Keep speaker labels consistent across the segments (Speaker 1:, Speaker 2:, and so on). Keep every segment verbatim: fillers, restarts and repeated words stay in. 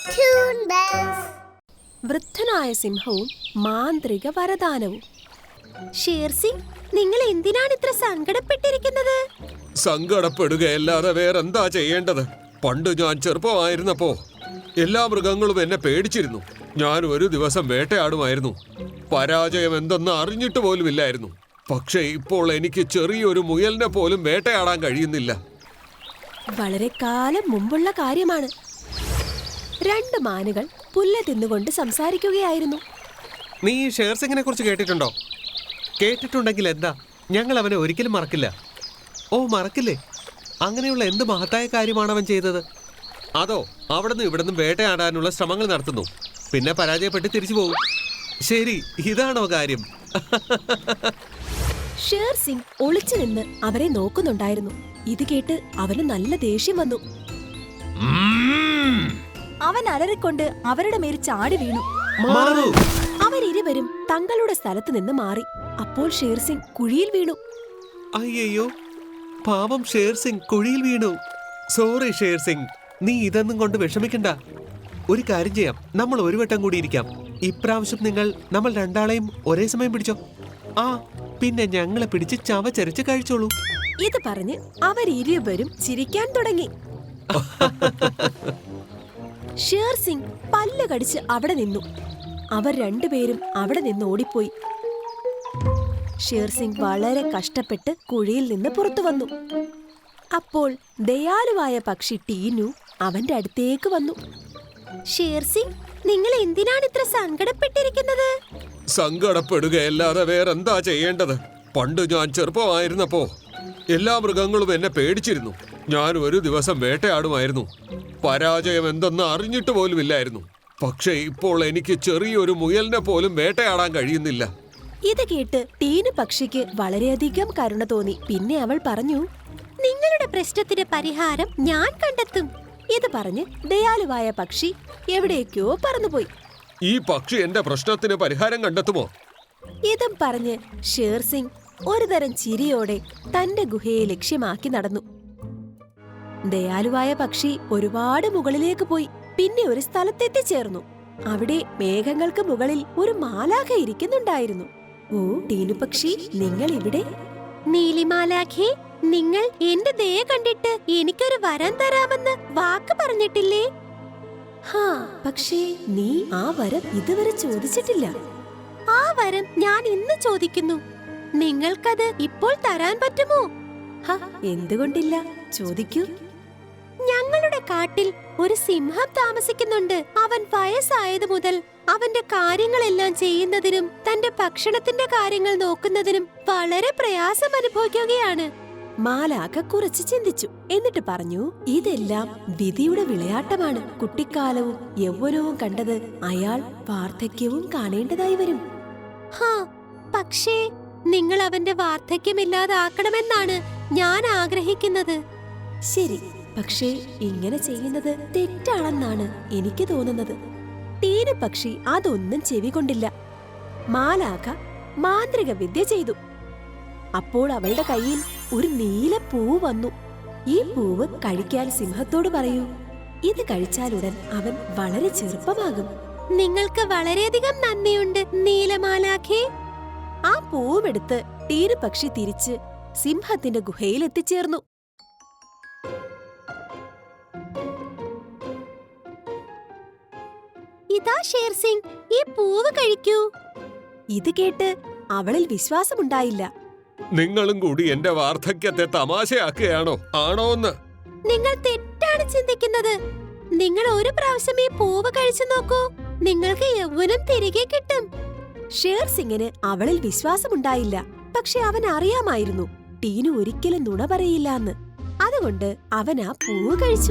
Speaker 1: Toon Bells.
Speaker 2: വൃദ്ധനായ സിംഹവും മാന്ത്രിക വരദാനവും. ഷേർസിംഗ്, നിങ്ങൾ എന്തിനാണ് ഇത്ര സങ്കടപ്പെട്ടിരിക്കുന്നത്?
Speaker 3: സങ്കടപ്പെടുകയല്ലാതെ വേറെന്താ ചെയ്യേണ്ടത്? പണ്ട് ഞാൻ ചെറുപ്പമായിരുന്നപ്പോ എല്ലാ മൃഗങ്ങളും എന്നെ പേടിച്ചിരുന്നു. ഞാൻ ഒരു ദിവസം വേട്ടയാടുമായിരുന്നു. പരാജയം എന്തെന്ന് അറിഞ്ഞിട്ട് പോലുമില്ലായിരുന്നു. പക്ഷേ ഇപ്പോൾ എനിക്ക് ചെറിയൊരു മുയലിനെ പോലും വേട്ടയാടാൻ കഴിയുന്നില്ല.
Speaker 2: വളരെ കാലം മുമ്പുള്ള കാര്യമാണ്. രണ്ട് മാനുകൾ പുല്ല് തിന്നുകൊണ്ട് സംസാരിക്കുകയായിരുന്നു.
Speaker 4: നീ ഷേർസിംഗിനെ കുറിച്ച് കേട്ടിട്ടുണ്ടോ? കേട്ടിട്ടുണ്ടെങ്കിൽ എന്താ, ഞങ്ങൾ അവനെ ഒരിക്കലും മറക്കില്ല. ഓ, മറക്കില്ലേ? അങ്ങനെയുള്ള എന്ത് മഹത്തായ കാര്യമാണ് അവൻ ചെയ്തത്? അതോ അവിടുന്ന് ഇവിടുന്ന് വേട്ടയാടാനുള്ള ശ്രമങ്ങൾ നടത്തുന്നു, പിന്നെ പരാജയപ്പെട്ട് തിരിച്ചു പോകും. ശരി, ഇതാണോ കാര്യം?
Speaker 2: ഷേർസിംഗ് ഒളിച്ചു നിന്ന് അവരെ നോക്കുന്നുണ്ടായിരുന്നു. ഇത് കേട്ട് അവന് നല്ല ദേഷ്യം വന്നു. അവൻ അലറിക്കൊണ്ട് അവരുടെ മേൽ ചാടി വീണു. അവരിരുവരും തങ്ങളുടെ സ്ഥലത്ത് നിന്ന് മാറി. അപ്പോൾ ഷേർസിംഗ് കുഴിയിൽ വീണു.
Speaker 4: അയ്യോ, പാവം ഷേർസിംഗ് കുഴിയിൽ വീണു. സോറി ഷേർസിംഗ്, നീ ഇതൊന്നും കൊണ്ട് വിഷമിക്കണ്ട. ഒരു കാര്യം ചെയ്യാം, നമ്മൾ ഒരു വട്ടം കൂടി ഇരിക്കാം. ഇപ്രാവശ്യം നിങ്ങൾ നമ്മൾ രണ്ടാളെയും ഒരേ സമയം പിടിച്ചോ. ആ, പിന്നെ ഞങ്ങളെ പിടിച്ച് ചവച്ചരച്ച് കഴിച്ചോളൂ.
Speaker 2: ഇത് പറഞ്ഞ് അവരിരുവരും ചിരിക്കാൻ തുടങ്ങി. ഷേർസിംഗ് പല്ല് കടിച്ച് അവിടെ നിന്നു. അവർ രണ്ടുപേരും അവിടെ നിന്ന് ഓടിപ്പോയി. ഷേർസിംഗ് വളരെ കഷ്ടപ്പെട്ട് കുഴിയിൽ നിന്ന് പുറത്തു വന്നു. അപ്പോൾ ദയാലുവായ പക്ഷി ടീനു അവന്റെ അടുത്തേക്ക് വന്നു. ഷേർസിംഗ്, നിങ്ങൾ എന്തിനാണ് ഇത്ര സങ്കടപ്പെട്ടിരിക്കുന്നത്?
Speaker 3: സങ്കടപ്പെടുകയല്ലാതെ വേറെന്താ ചെയ്യേണ്ടത്? പണ്ട് ഞാൻ ചെറുപ്പമായിരുന്നപ്പോ എല്ലാ മൃഗങ്ങളും എന്നെ പേടിച്ചിരുന്നു. ഞാൻ ഒരു ദിവസം വേട്ടയാടുമായിരുന്നു. പരാജയം എന്തെന്ന് അറിഞ്ഞിട്ട് പോലുമില്ലായിരുന്നു. പക്ഷേ ഇപ്പോൾ എനിക്ക് ചെറിയൊരു മുയലിനെ പോലും വേട്ടയാടാൻ കഴിയുന്നില്ല.
Speaker 2: ഇത് കേട്ട് ടീനു പക്ഷിക്ക് വളരെയധികം കരുണ തോന്നി. പിന്നെ അവൾ പറഞ്ഞു, നിങ്ങളുടെ പ്രശ്നത്തിന് പരിഹാരം ഞാൻ കണ്ടെത്തും. ഇത് പറഞ്ഞ് ദയാലുവായ പക്ഷി എവിടേക്കോ പറന്നുപോയി.
Speaker 3: ഈ പക്ഷി എന്റെ പ്രശ്നത്തിന് പരിഹാരം കണ്ടെത്തുമോ?
Speaker 2: ഇതും പറഞ്ഞ് ഷേർസിംഗ് ഒരുതരം ചിരിയോടെ തന്റെ ഗുഹയെ ലക്ഷ്യമാക്കി നടന്നു. ദയാലുവായ പക്ഷി ഒരുപാട് മുകളിലേക്ക് പോയി. പിന്നെ ഒരു സ്ഥലത്തെത്തിച്ചേർന്നു. അവിടെ മേഘങ്ങൾക്ക് മുകളിൽ ഒരു മാലാഖ ഇരിക്കുന്നുണ്ടായിരുന്നു. ഓ ടീനു പക്ഷി, നിങ്ങൾ ഇവിടെ? നീലിമാലാഖേ, നിങ്ങൾ എന്റെ ദയ കണ്ടിട്ട് എനിക്കൊരു വരം തരാമെന്ന് വാക്ക് പറഞ്ഞിട്ടില്ലേ? ഹാ, പക്ഷേ നീ ആ വരം ഇതുവരെ ചോദിച്ചിട്ടില്ല. ആ വരം ഞാൻ ഇന്ന് ചോദിക്കുന്നു. നിങ്ങൾക്കത് ഇപ്പോൾ തരാൻ പറ്റുമോ? ഹാ, എന്തുകൊണ്ടില്ല, ചോദിക്കൂ. ഞങ്ങളുടെ കാട്ടിൽ ഒരു സിംഹം താമസിക്കുന്നുണ്ട്. അവൻ വയസ്സായത് മുതൽ അവന്റെ കാര്യങ്ങളെല്ലാം ചെയ്യുന്നതിനും തന്റെ ഭക്ഷണത്തിന്റെ കാര്യങ്ങൾ നോക്കുന്നതിനും വളരെ പ്രയാസം അനുഭവിക്കുകയാണ്. മാലാഖ കുറച്ച് ചിന്തിച്ചു. എന്നിട്ട് പറഞ്ഞു, ഇതെല്ലാം വിധിയുടെ വിളയാട്ടമാണ്. കുട്ടിക്കാലവും യൗവനവും കണ്ടത് അയാൾ വാർദ്ധക്യവും കാണേണ്ടതായി വരും. ഹാ, പക്ഷേ നിങ്ങൾ അവന്റെ വാർദ്ധക്യമില്ലാതാക്കണമെന്നാണ് ഞാൻ ആഗ്രഹിക്കുന്നത്. ശരി, പക്ഷേ ഇങ്ങനെ ചെയ്യുന്നത് തെറ്റാണെന്നാണ് എനിക്ക് തോന്നുന്നത്. ടീനു പക്ഷി അതൊന്നും ചെവികൊണ്ടില്ല. മാലാഖ മാന്ത്രിക വിദ്യ ചെയ്തു. അപ്പോൾ അവളുടെ കയ്യിൽ ഒരു നീല പൂവ് വന്നു. ഈ പൂവ് കഴിക്കാൻ സിംഹത്തോട് പറയൂ. ഇത് കഴിച്ചാലുടൻ അവൻ വളരെ ചെറുപ്പമാകും. നിങ്ങൾക്ക് വളരെയധികം നന്ദിയുണ്ട് നീലമാലാഖേ. ആ പൂവെടുത്ത് ടീനു പക്ഷി തിരിച്ച് സിംഹത്തിന്റെ ഗുഹയിൽ എത്തിച്ചേർന്നു. ഇതാ ഷേർസിംഗ്, ഈ പൂവ് കഴിക്കൂ. ഇത് കേട്ട് അവളിൽ വിശ്വാസമുണ്ടായില്ല.
Speaker 3: നിങ്ങളും കൂടി എന്റെ വാർദ്ധക്യത്തെ തമാശയാക്കുകയാണോ? ആണോന്ന്?
Speaker 2: നിങ്ങൾ തെറ്റാണ് ചിന്തിക്കുന്നത്. നിങ്ങൾ ഒരു പ്രാവശ്യം ഈ പൂവ് കഴിച്ചു നോക്കൂ. നിങ്ങൾക്ക് യൗവനം തിരികെ കിട്ടും. ഷേർസിംഗിന് അവളിൽ വിശ്വാസമുണ്ടായില്ല. പക്ഷെ അവൻ അറിയാമായിരുന്നു ടീനു ഒരിക്കലും നുണ പറയില്ല എന്ന്. അതുകൊണ്ട് അവൻ ആ പൂവ് കഴിച്ചു.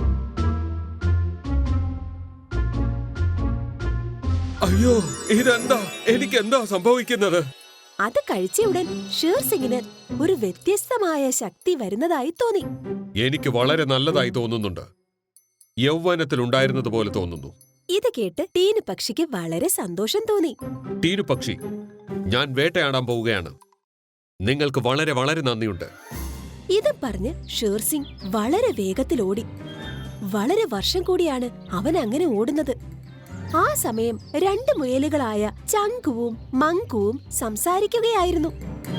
Speaker 3: അയ്യോ, ഇതെന്താ? എനിക്കെന്താ സംഭവിക്കുന്നത്?
Speaker 2: അത് കഴിച്ചയുടൻ ഷേർസിംഗിന് ഒരു വ്യത്യസ്തമായ ശക്തി വരുന്നതായി തോന്നി.
Speaker 3: എനിക്ക് വളരെ നല്ലതായി തോന്നുന്നുണ്ട്. യൗവനത്തിലുണ്ടായിരുന്നത് പോലെ തോന്നുന്നു.
Speaker 2: ഇത് കേട്ട് ടീനു പക്ഷിക്ക് വളരെ സന്തോഷം തോന്നി.
Speaker 3: ടീനു പക്ഷി, ഞാൻ വേട്ടയാടാൻ പോവുകയാണ്. നിങ്ങൾക്ക് വളരെ വളരെ നന്ദിയുണ്ട്.
Speaker 2: ഇത് പറഞ്ഞ് ഷേർസിംഗ് വളരെ വേഗത്തിൽ ഓടി. വളരെ വർഷം കൂടിയാണ് അവൻ അങ്ങനെ ഓടുന്നത്. ആ സമയം രണ്ട് മുയലുകളായ ചങ്കുവും മങ്കുവും സംസാരിക്കുകയായിരുന്നു.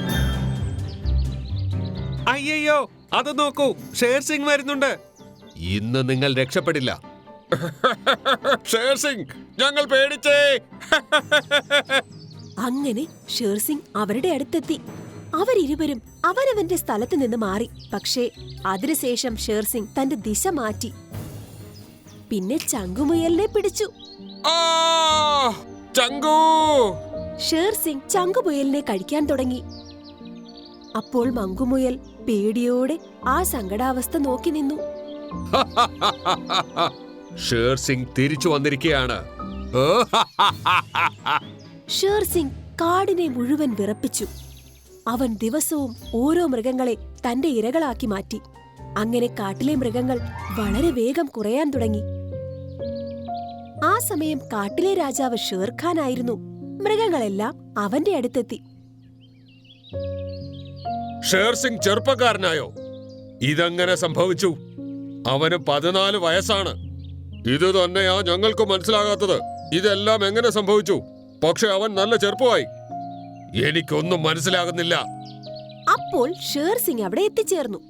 Speaker 4: അയ്യോ, അത് നോക്കൂ, ഷേർ സിംഗ് വരുന്നുണ്ട്.
Speaker 3: ഇന്ന് നിങ്ങൾ രക്ഷപ്പെടില്ല. ഷേർ സിംഗ്, ഞങ്ങൾ പേടിച്ചേ.
Speaker 2: അങ്ങനെ ഷേർസിംഗ് അവരുടെ അടുത്തെത്തി. അവരിരുവരും അവനവന്റെ സ്ഥലത്ത് നിന്ന് മാറി. പക്ഷേ അതിനുശേഷം ഷേർസിംഗ് തന്റെ ദിശ മാറ്റി. പിന്നെ ചങ്കുമുയലിനെ പിടിച്ചു.
Speaker 3: ആ, ചങ്കു!
Speaker 2: ഷേർസിംഗ് ചങ്കുമുയലിനെ കഴിക്കാൻ തുടങ്ങി. അപ്പോൾ മങ്കുമുയൽ പേടിയോടെ ആ സങ്കടാവസ്ഥ നോക്കി നിന്നു.
Speaker 3: ഷേർ സിംഗ് തിരിച്ചു വന്നിരിക്കുകയാണ്.
Speaker 2: ഷേർസിംഗ് കാടിനെ മുഴുവൻ വിറപ്പിച്ചു. അവൻ ദിവസവും ഓരോ മൃഗങ്ങളെ തന്റെ ഇരകളാക്കി മാറ്റി. അങ്ങനെ കാട്ടിലെ മൃഗങ്ങൾ വളരെ വേഗം കുറയാൻ തുടങ്ങി. ആ സമയം കാട്ടിലെ രാജാവ് ഷേർഖാൻ ആയിരുന്നു. മൃഗങ്ങളെല്ലാം അവന്റെ അടുത്തെത്തി.
Speaker 3: ഷേർ സിംഗ് ചെറുപ്പക്കാരനായോ? ഇതെങ്ങനെ സംഭവിച്ചു? അവന് പതിനാല് വയസ്സാണ്. ഇത് തന്നെയാ ഞങ്ങൾക്ക് മനസ്സിലാകാത്തത്. ഇതെല്ലാം എങ്ങനെ സംഭവിച്ചു? പക്ഷെ അവൻ നല്ല ചെറുപ്പമായി. എനിക്കൊന്നും മനസ്സിലാകുന്നില്ല.
Speaker 2: അപ്പോൾ ഷേർസിംഗ് അവിടെ എത്തിച്ചേർന്നു.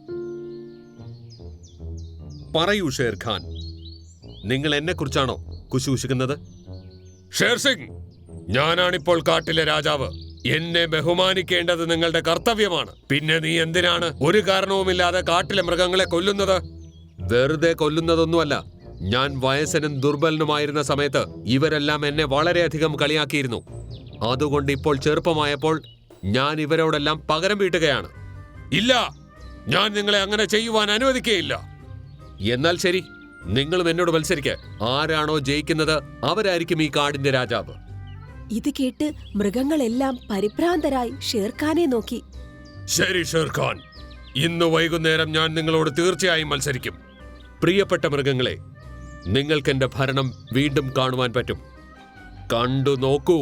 Speaker 4: പറയൂ ഷേർ ഖാൻ, നിങ്ങൾ എന്നെ കുറിച്ചാണോ കുശുകുശുക്കുന്നത്?
Speaker 3: ഷേർ സിംഗ്, ഞാനാണിപ്പോൾ കാട്ടിലെ രാജാവ്. എന്നെ ബഹുമാനിക്കേണ്ടത് നിങ്ങളുടെ കർത്തവ്യമാണ്. പിന്നെ നീ എന്തിനാണ് ഒരു കാരണവുമില്ലാതെ കാട്ടിലെ മൃഗങ്ങളെ കൊല്ലുന്നത്?
Speaker 4: വെറുതെ കൊല്ലുന്നതൊന്നുമല്ല. ഞാൻ വയസ്സനും ദുർബലനുമായിരുന്ന സമയത്ത് ഇവരെല്ലാം എന്നെ വളരെയധികം കളിയാക്കിയിരുന്നു. അതുകൊണ്ട് ഇപ്പോൾ ചെറുപ്പമായപ്പോൾ ഞാൻ ഇവരോടെല്ലാം പകരം വീട്ടുകയാണ്.
Speaker 3: ഇല്ല, ഞാൻ നിങ്ങളെ അങ്ങനെ ചെയ്യുവാൻ അനുവദിക്കുകയില്ല.
Speaker 4: എന്നാൽ ശരി, നിങ്ങളും എന്നോട് മത്സരിക്ക. ആരാണോ ജയിക്കുന്നത് അവരായിരിക്കും ഈ കാടിന്റെ രാജാവ്.
Speaker 2: ഇത് കേട്ട് മൃഗങ്ങളെല്ലാം പരിഭ്രാന്തരായി ഷേർഖാനെ നോക്കി.
Speaker 3: ശരി ഷേർ ഖാൻ, ഇന്ന് വൈകുന്നേരം ഞാൻ നിങ്ങളോട് തീർച്ചയായും മത്സരിക്കും.
Speaker 4: പ്രിയപ്പെട്ട മൃഗങ്ങളെ, നിങ്ങൾക്ക് എന്റെ ഭരണം വീണ്ടും കാണുവാൻ പറ്റും. കണ്ടു നോക്കൂ.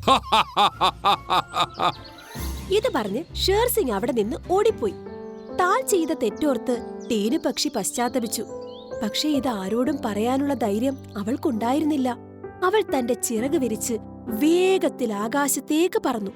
Speaker 2: ഇത് പറഞ്ഞ് ഷേർസിംഗ് അവിടെ നിന്ന് ഓടിപ്പോയി. താൻ ചെയ്ത തെറ്റോർത്ത് ടീനു പക്ഷി പശ്ചാത്തപിച്ചു. പക്ഷേ ഇത് ആരോടും പറയാനുള്ള ധൈര്യം അവൾക്കുണ്ടായിരുന്നില്ല. അവൾ തന്റെ ചിറക് വിരിച്ച് വേഗത്തിൽ ആകാശത്തേക്ക് പറന്നു.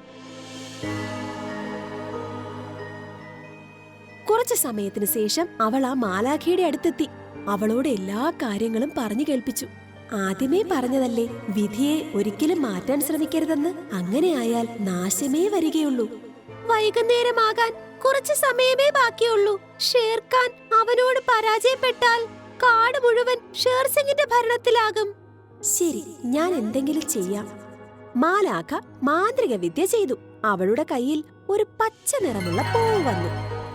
Speaker 2: കുറച്ചു സമയത്തിന് ശേഷം അവൾ ആ മാലാഖയുടെ അടുത്തെത്തി. അവളോട് എല്ലാ കാര്യങ്ങളും പറഞ്ഞു കേൾപ്പിച്ചു. ആദ്യമേ പറഞ്ഞതല്ലേ, വിധിയെ ഒരിക്കലും മാറ്റാൻ ശ്രമിക്കരുതെന്ന്. അങ്ങനെയായാൽ നാശമേ വരികയുള്ളൂ. വൈകുന്നേരമാകാൻ കുറച്ചു സമയമേ ബാക്കിയുള്ളൂ. ഷേർഖാൻ അവനോട് പരാജയപ്പെട്ടാൽ കാട് മുഴുവൻ ഷേർസിംഗിന്റെ ഭരണത്തിലാകും. ശരി, ഞാൻ എന്തെങ്കിലും ചെയ്യാം. മാലാഖ മാന്ത്രിക വിദ്യ ചെയ്തു. അവളുടെ കയ്യിൽ ഒരു പച്ച നിറമുള്ള പൂവ് വന്നു.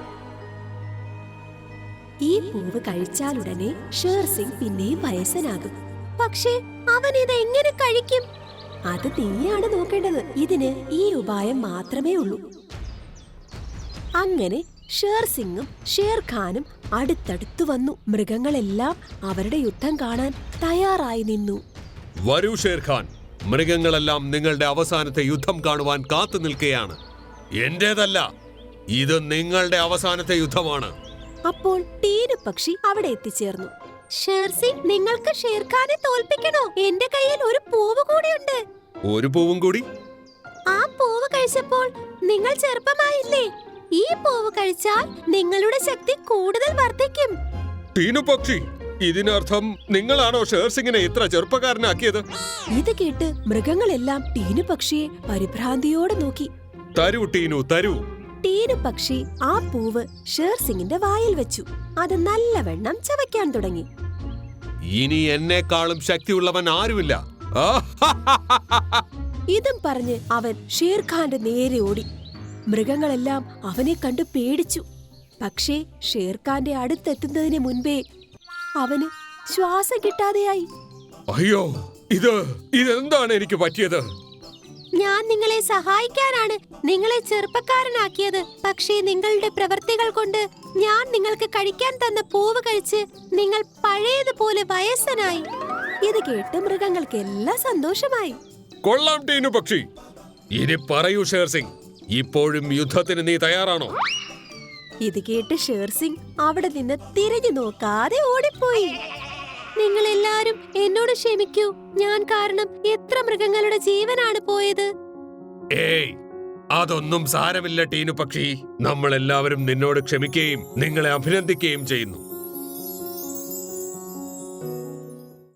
Speaker 2: ഈ പൂവ് കഴിച്ചാലുടനെ ഷേർസിംഗ് പിന്നെയും വയസ്സനാകും. പക്ഷേ അവൻ ഇത് എങ്ങനെ കഴിക്കും? അത് നീയാണ് നോക്കേണ്ടത്. ഇതിന് ഈ ഉപായം മാത്രമേ ഉള്ളൂ. അങ്ങനെ ഷേർസിംഗും ഷേർഖാനും അടുത്തടുത്തു വന്നു. മൃഗങ്ങളെല്ലാം അവരുടെ യുദ്ധം കാണാൻ തയ്യാറായി നിന്നു.
Speaker 4: വരൂ ഷേർ ഖാൻ, മൃഗങ്ങളെല്ലാം നിങ്ങളുടെ അവസാനത്തെ യുദ്ധം കാണുവാൻ കാത്തു നിൽക്കുകയാണ്.
Speaker 3: എന്റേതല്ല, ഇത് നിങ്ങളുടെ അവസാനത്തെ യുദ്ധമാണ്.
Speaker 2: അപ്പോൾ ടീനു പക്ഷി അവിടെ എത്തിച്ചേർന്നു. ഷേർസിംഗ്, നിങ്ങൾക്ക് ഷേർഖാനെ തോൽപ്പിക്കണോ? എന്റെ കയ്യിൽ ഒരു പൂവ് കൂടിയുണ്ട്.
Speaker 4: ഒരു പൂവും കൂടി?
Speaker 2: ആ പൂവ് കഴിച്ചപ്പോൾ നിങ്ങൾ ചെറുപ്പമായില്ലേ? ഈ പൂവ് കഴിച്ചാൽ നിങ്ങളുടെ ശക്തി കൂടുതൽ വർദ്ധിക്കും.
Speaker 3: ടീനു പക്ഷി, ഇതിനർത്ഥം നിങ്ങളാണോ ഷേർസിംഗിനെ ഇത്ര ചെറുപ്പക്കാരനാക്കിയത്?
Speaker 2: ഇത് കേട്ട് മൃഗങ്ങളെല്ലാം ടീനു പക്ഷിയെ പരിഭ്രാന്തിയോടെ നോക്കി.
Speaker 3: തരൂ ടീനു, തരൂ.
Speaker 2: ടീനു പക്ഷി ആ പൂവ് ഷേർസിംഗിന്റെ വായിൽ വെച്ചു. അത് നല്ലവണ്ണം ചവയ്ക്കാൻ തുടങ്ങി.
Speaker 4: ഇനി എന്നെക്കാളും ശക്തിയുള്ളവൻ ആരുമില്ല.
Speaker 2: ഇതും പറഞ്ഞ് അവൻ ഷേർഖാന്റെ നേരെ ഓടി. മൃഗങ്ങളെല്ലാം അവനെ കണ്ടു പേടിച്ചു. പക്ഷേ ഷേർഖാന്റെ അടുത്തെത്തുന്നതിന് മുൻപേ അവന് ശ്വാസം കിട്ടാതെയായി.
Speaker 3: അയ്യോ, ഇത് ഇതെന്താണ് എനിക്ക് പറ്റിയത്?
Speaker 2: ഞാൻ നിങ്ങളെ സഹായിക്കാനാണ് നിങ്ങളെ ചെറുപ്പക്കാരനാക്കിയത്. പക്ഷേ നിങ്ങളുടെ പ്രവൃത്തികൾ കൊണ്ട് ഞാൻ നിങ്ങൾക്ക് കഴിക്കാൻ തന്ന പൂവ് കഴിച്ച് നിങ്ങൾ പഴയതുപോലെ വയസ്സനായി. ഇത് കേട്ട് മൃഗങ്ങൾക്കെല്ലാം സന്തോഷമായി.
Speaker 3: കൊള്ളാം ടീനു പക്ഷി. ഇനി പറയൂ ഷേർസിംഗ്, ഇപ്പോഴും യുദ്ധത്തിന് നീ തയ്യാറാണോ?
Speaker 2: ഇത് കേട്ട് ഷേർസിംഗ് അവിടെ നിന്ന് തിരിഞ്ഞു നോക്കാതെ ഓടിപ്പോയി. നിങ്ങൾ എല്ലാരും എന്നോട് ക്ഷമിക്കൂ. ഞാൻ കാരണം എത്ര മൃഗങ്ങളുടെ ജീവനാണ് പോയത്.
Speaker 3: ഏയ്, അതൊന്നും സാരമില്ല ടീനു പക്ഷി. നമ്മൾ എല്ലാവരും നിന്നോട് ക്ഷമിക്കുകയും നിങ്ങളെ അഭിനന്ദിക്കുകയും ചെയ്യുന്നു.